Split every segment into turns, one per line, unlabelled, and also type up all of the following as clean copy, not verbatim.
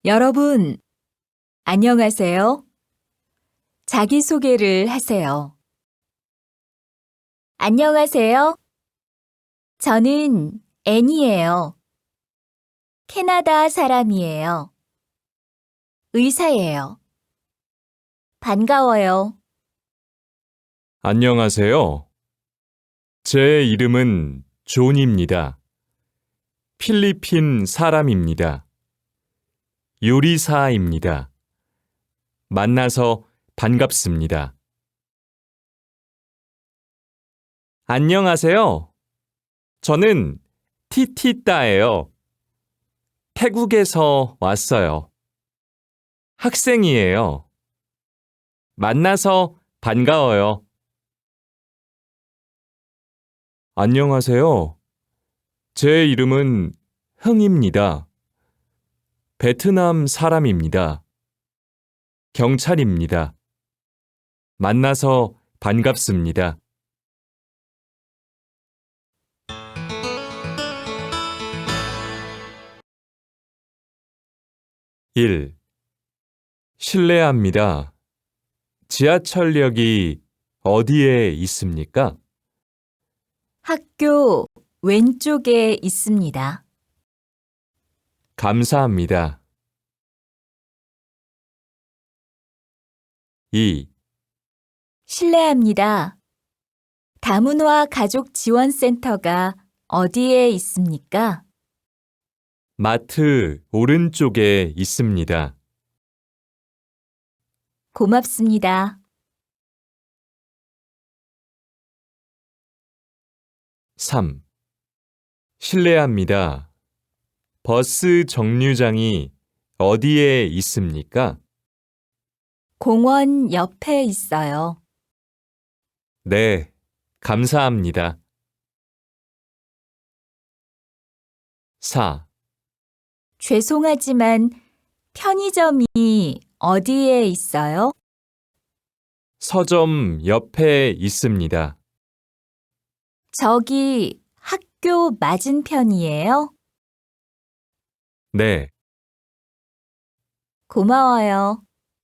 여러분, 안녕하세요. 자기소개를 하세요. 안녕하세요. 저는 앤이에요. 캐나다 사람이에요. 의사예요. 반가워요.
안녕하세요. 제 이름은 존입니다. 필리핀 사람입니다. 요리사입니다. 만나서 반갑습니다. 안녕하세요. 저는 티티따예요. 태국에서 왔어요. 학생이에요. 만나서 반가워요. 안녕하세요. 제 이름은 흥입니다. 베트남 사람입니다. 경찰입니다. 만나서 반갑습니다. 1. 실례합니다. 지하철역이 어디에 있습니까?
학교 왼쪽에 있습니다.
감사합니다. 2.
실례합니다. 다문화 가족 지원센터가 어디에 있습니까?
마트 오른쪽에 있습니다.
고맙습니다.
3. 실례합니다. 버스 정류장이 어디에 있습니까?
공원 옆에 있어요.
네, 감사합니다. 4.
죄송하지만 편의점이 어디에 있어요?
서점 옆에 있습니다.
저기 학교 맞은편이에요?
네,
고마워요.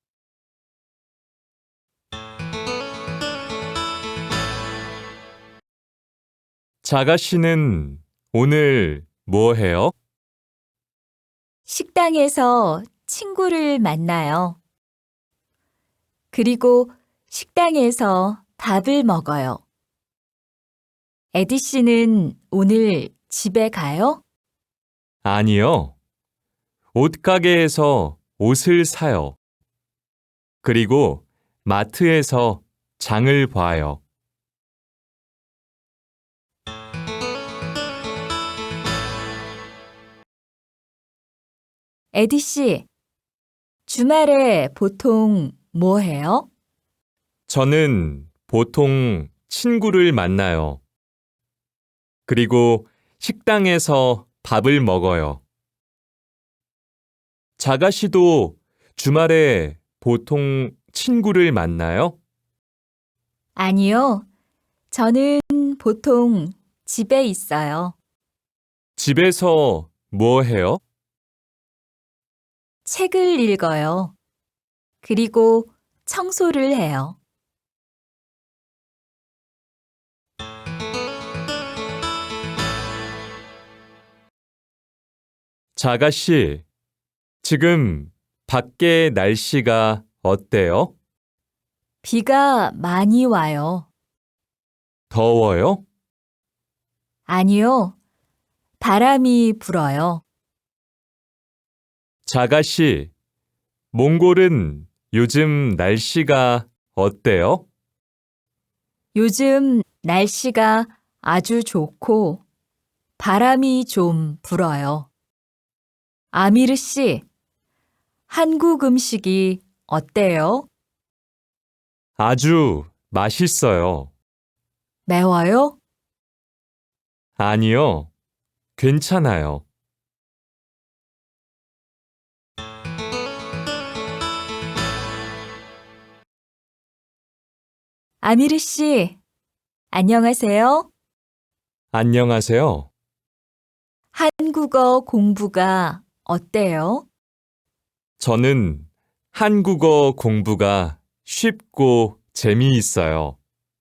자가 씨는 오늘 뭐 해요?
식당에서 친구를 만나요. 그리고 식당에서 밥을 먹어요. 에디 씨는 오늘 집에 가요?
아니요. 옷가게에서 옷을 사요. 그리고 마트에서 장을 봐요.
에디 씨, 주말에 보통 뭐 해요?
저는 보통 친구를 만나요. 그리고 식당에서 밥을 먹어요. 자가 씨도 주말에 보통 친구를 만나요?
아니요. 저는 보통 집에 있어요.
집에서 뭐 해요?
책을 읽어요. 그리고 청소를 해요.
자가 씨, 지금 밖에 날씨가 어때요?
비가 많이 와요.
더워요?
아니요. 바람이 불어요.
자가 씨, 몽골은 요즘 날씨가 어때요?
요즘 날씨가 아주 좋고 바람이 좀 불어요. 아미르 씨, 한국 음식이 어때요?
아주 맛있어요.
매워요?
아니요, 괜찮아요.
아미르 씨, 안녕하세요.
안녕하세요.
한국어 공부가 어때요?
저는 한국어 공부가 쉽고 재미있어요.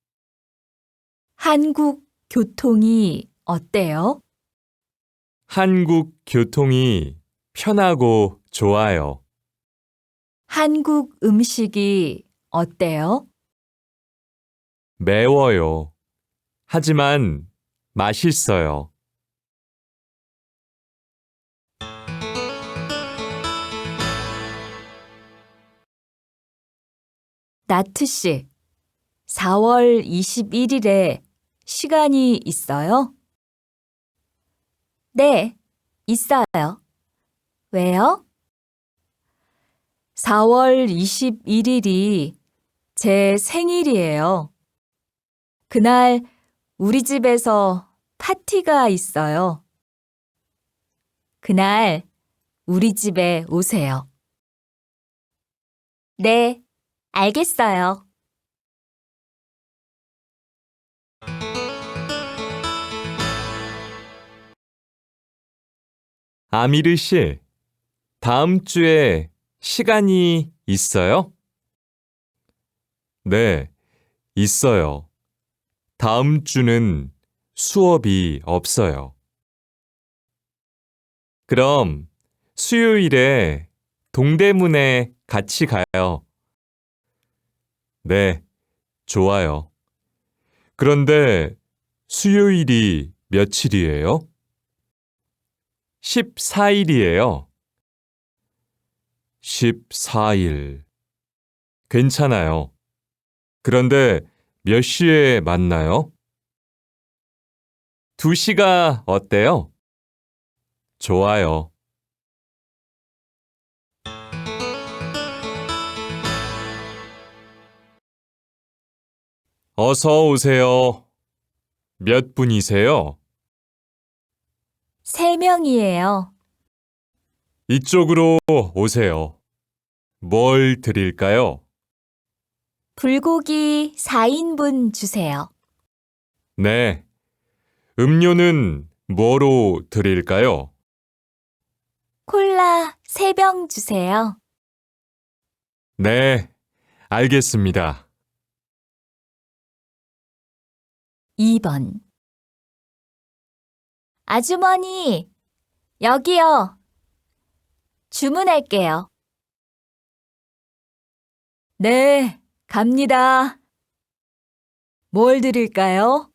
한국 교통이 어때요?
한국 교통이 편하고 좋아요.
한국 음식이 어때요?
매워요. 하지만 맛있어요.
나트 씨, 4월 21일에 시간이 있어요? 네, 있어요. 왜요? 4월 21일이 제 생일이에요. 그날 우리 집에서 파티가 있어요. 그날 우리 집에 오세요. 네, 알겠어요.
아미르 씨, 다음 주에 시간이 있어요? 네, 있어요. 다음 주는 수업이 없어요. 그럼 수요일에 동대문에 같이 가요. 네, 좋아요. 그런데 수요일이 며칠이에요? 14일이에요. 14일. 괜찮아요. 그런데 몇 시에 만나요? 2시가 어때요? 좋아요. 어서 오세요. 몇 분이세요?
3명이에요.
이쪽으로 오세요. 뭘 드릴까요?
불고기 4인분 주세요.
네. 음료는 뭐로 드릴까요?
콜라 3병 주세요.
네, 알겠습니다.
2번. 아주머니, 여기요. 주문할게요. 네, 갑니다. 뭘 드릴까요?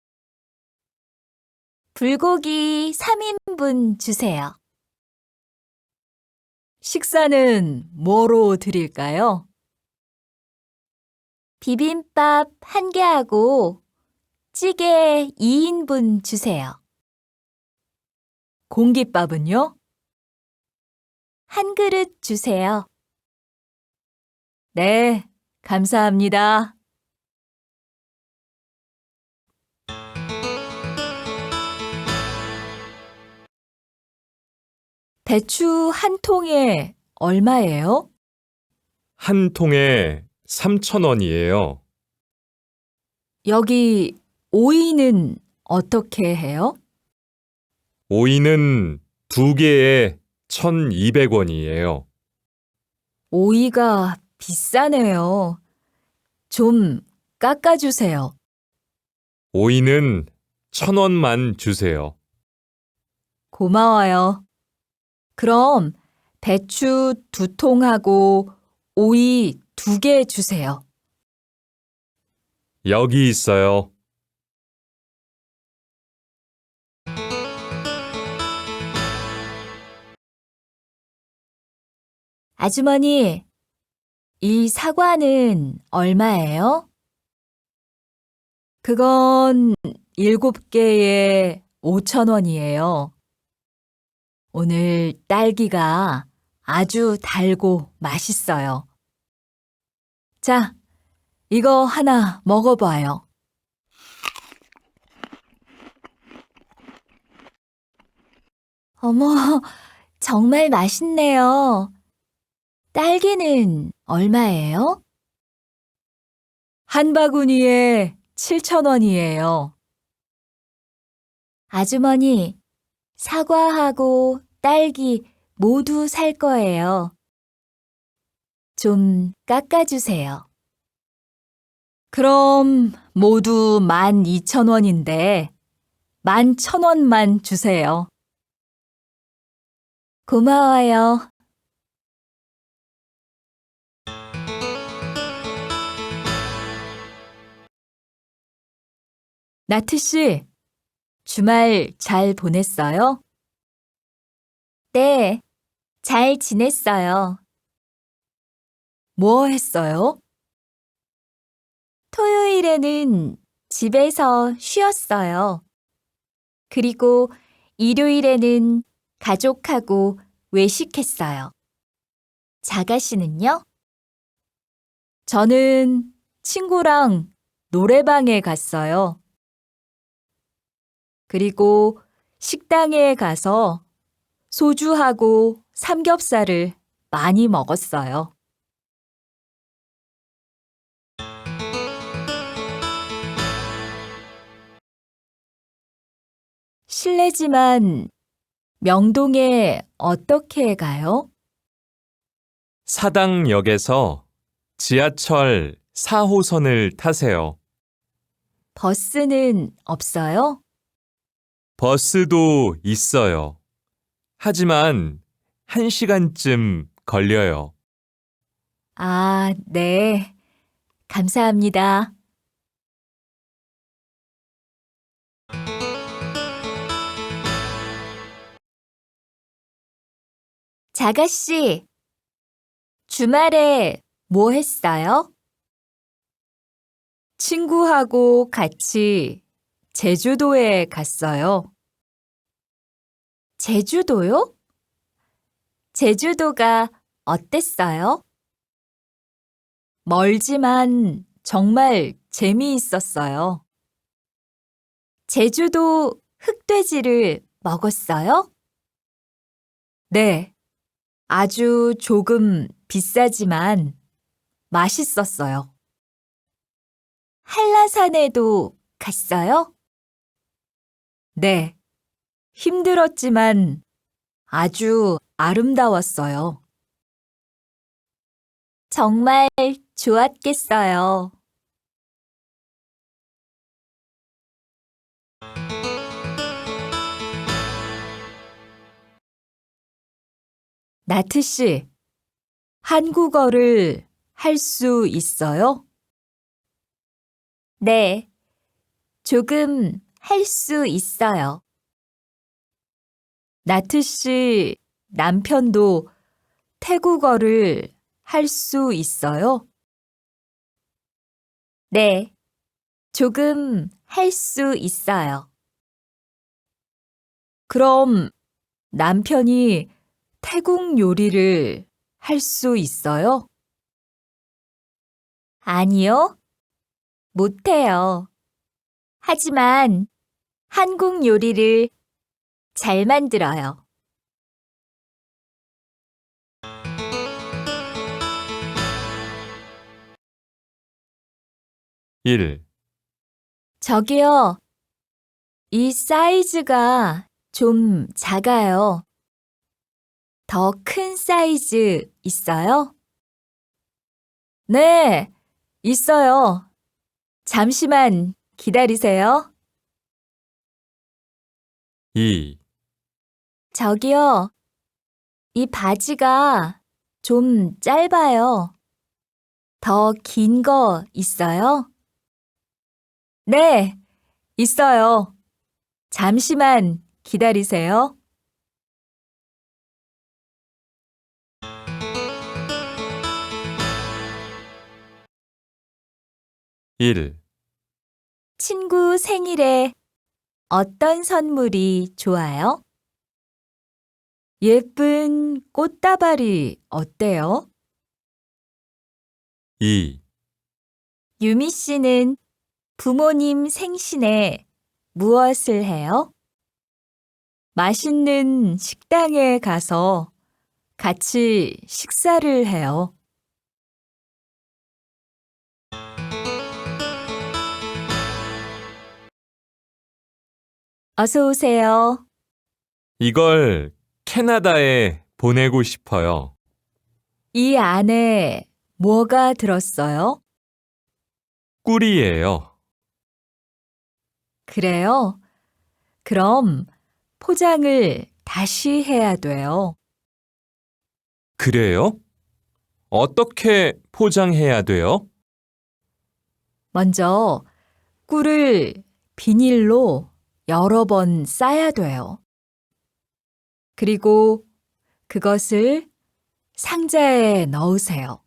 불고기 3인분 주세요. 식사는 뭐로 드릴까요? 비빔밥 1개하고 찌개 2인분 주세요. 공깃밥은요? 한 그릇 주세요. 네, 감사합니다. 배추 한 통에 얼마예요?
한 통에 3,000원이에요.
여기 오이는 어떻게 해요?
오이는 2개에 1,200원이에요.
오이가 비싸네요. 좀 깎아주세요.
오이는 1,000원만 주세요.
고마워요. 그럼 배추 2통하고 오이 2개 주세요.
여기 있어요.
아주머니, 이 사과는 얼마예요? 그건 7개에 5,000원이에요. 오늘 딸기가 아주 달고 맛있어요. 자, 이거 하나 먹어봐요. 어머, 정말 맛있네요. 딸기는 얼마예요? 한 바구니에 7,000원이에요. 아주머니, 사과하고 딸기 모두 살 거예요. 좀 깎아주세요. 그럼 모두 12,000원인데 11,000원만 주세요. 고마워요. 나트 씨, 주말 잘 보냈어요? 네, 잘 지냈어요. 뭐 했어요? 토요일에는 집에서 쉬었어요. 그리고 일요일에는 가족하고 외식했어요. 자가 씨는요? 저는 친구랑 노래방에 갔어요. 그리고 식당에 가서 소주하고 삼겹살을 많이 먹었어요. 실례지만 명동에 어떻게 가요?
사당역에서 지하철 4호선을 타세요.
버스는 없어요?
버스도 있어요. 하지만 1시간쯤 걸려요.
아, 네. 감사합니다. 자가 씨, 주말에 뭐 했어요? 친구하고 같이 제주도에 갔어요. 제주도요? 제주도가 어땠어요? 멀지만 정말 재미있었어요. 제주도 흑돼지를 먹었어요? 네, 아주 조금 비싸지만 맛있었어요. 한라산에도 갔어요? 네, 힘들었지만 아주 아름다웠어요. 정말 좋았겠어요. 나트 씨, 한국어를 할 수 있어요? 네, 조금 할 수 있어요. 나트 씨 남편도 태국어를 할 수 있어요? 네, 조금 할 수 있어요. 그럼 남편이 태국 요리를 할 수 있어요? 아니요, 못해요. 하지만 한국 요리를 잘 만들어요.
일.
저기요, 이 사이즈가 좀 작아요. 더 큰 사이즈 있어요? 네, 있어요. 잠시만 기다리세요.
2.
저기요, 이 바지가 좀 짧아요. 더 긴 거 있어요? 네, 있어요. 잠시만 기다리세요.
1.
친구 생일에 어떤 선물이 좋아요? 예쁜 꽃다발이 어때요?
2.
유미 씨는 부모님 생신에 무엇을 해요? 맛있는 식당에 가서 같이 식사를 해요. 어서 오세요.
이걸 캐나다에 보내고 싶어요.
이 안에 뭐가 들었어요?
꿀이에요.
그래요? 그럼 포장을 다시 해야 돼요.
그래요? 어떻게 포장해야 돼요?
먼저 꿀을 비닐로 여러 번 싸야 돼요. 그리고 그것을 상자에 넣으세요.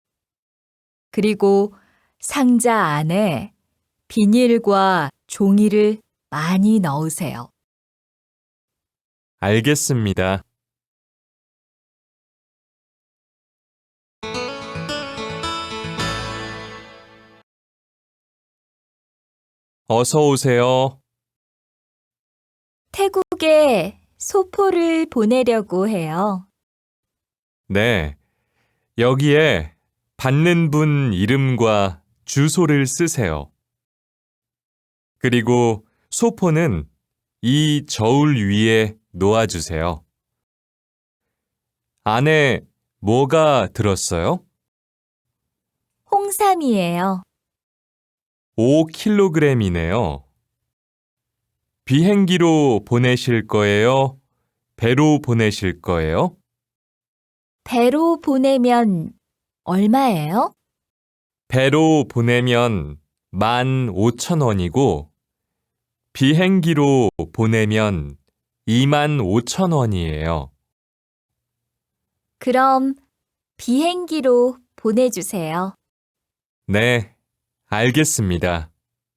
그리고 상자 안에 비닐과 종이를 많이 넣으세요.
알겠습니다. 어서 오세요.
태국에 소포를 보내려고 해요.
네, 여기에 받는 분 이름과 주소를 쓰세요. 그리고 소포는 이 저울 위에 놓아주세요. 안에 뭐가 들었어요?
홍삼이에요.
5kg이네요. 비행기로 보내실 거예요? 배로 보내실 거예요?
배로 보내면 얼마예요?
배로 보내면 15,000원이고 비행기로 보내면 25,000원이에요.
그럼 비행기로 보내주세요.
네, 알겠습니다.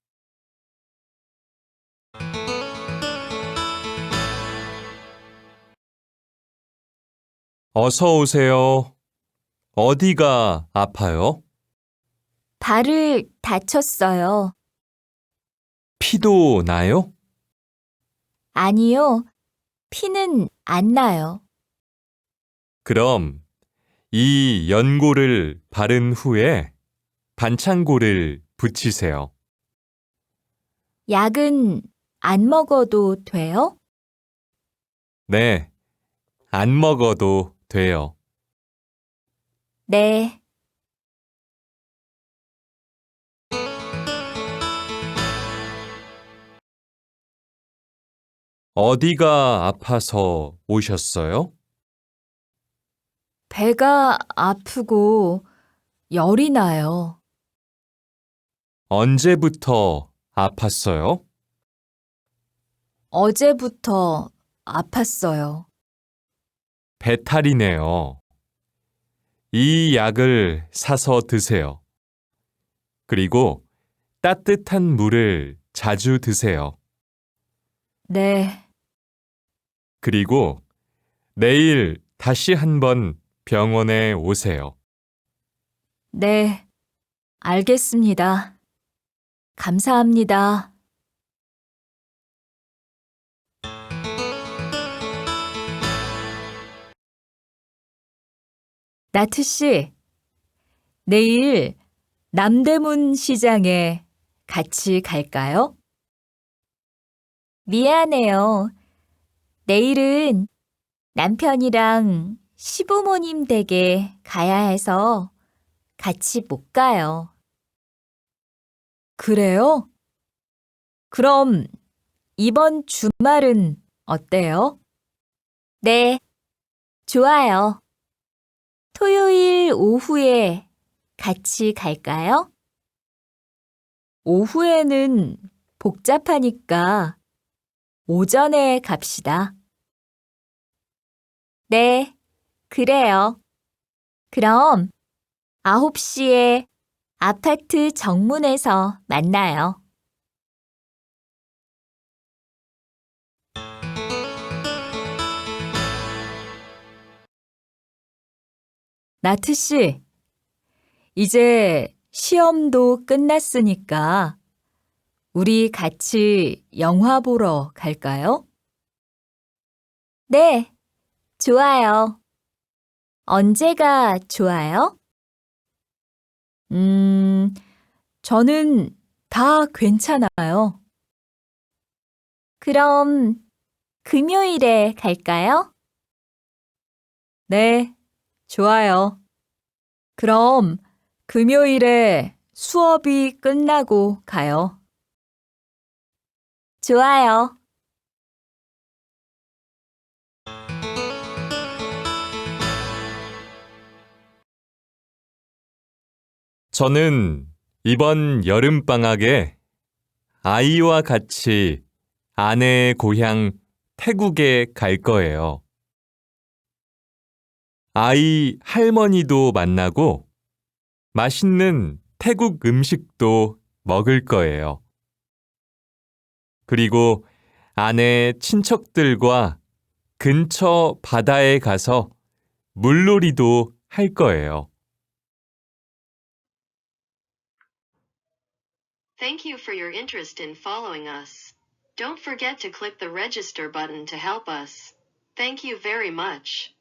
어서 오세요. 어디가 아파요?
발을 다쳤어요.
피도 나요?
아니요, 피는 안 나요.
그럼 이 연고를 바른 후에 반창고를 붙이세요.
약은 안 먹어도 돼요?
네, 안 먹어도 돼요.
네.
어디가 아파서 오셨어요?
배가 아프고 열이 나요.
언제부터 아팠어요?
어제부터 아팠어요.
배탈이네요. 이 약을 사서 드세요. 그리고 따뜻한 물을 자주 드세요.
네.
그리고 내일 다시 한번 병원에 오세요.
네. 알겠습니다. 감사합니다. 나트 씨, 내일 남대문 시장에 같이 갈까요? 미안해요. 내일은 남편이랑 시부모님 댁에 가야 해서 같이 못 가요. 그래요? 그럼 이번 주말은 어때요? 네, 좋아요. 토요일 오후에 같이 갈까요? 오후에는 복잡하니까 오전에 갑시다. 네, 그래요. 그럼 9시에 아파트 정문에서 만나요. 나트 씨, 이제 시험도 끝났으니까 우리 같이 영화 보러 갈까요? 네, 좋아요. 언제가 좋아요? 저는 다 괜찮아요. 그럼 금요일에 갈까요? 네, 좋아요. 그럼 금요일에 수업이 끝나고 가요. 좋아요.
저는 이번 여름방학에 아이와 같이 아내의 고향 태국에 갈 거예요. 아이 할머니도 만나고 맛있는 태국 음식도 먹을 거예요. 그리고 아내 친척들과 근처 바다에 가서 물놀이도 할 거예요.
Thank you for your interest in following us. Don't forget to click the register button to help us. Thank you very much.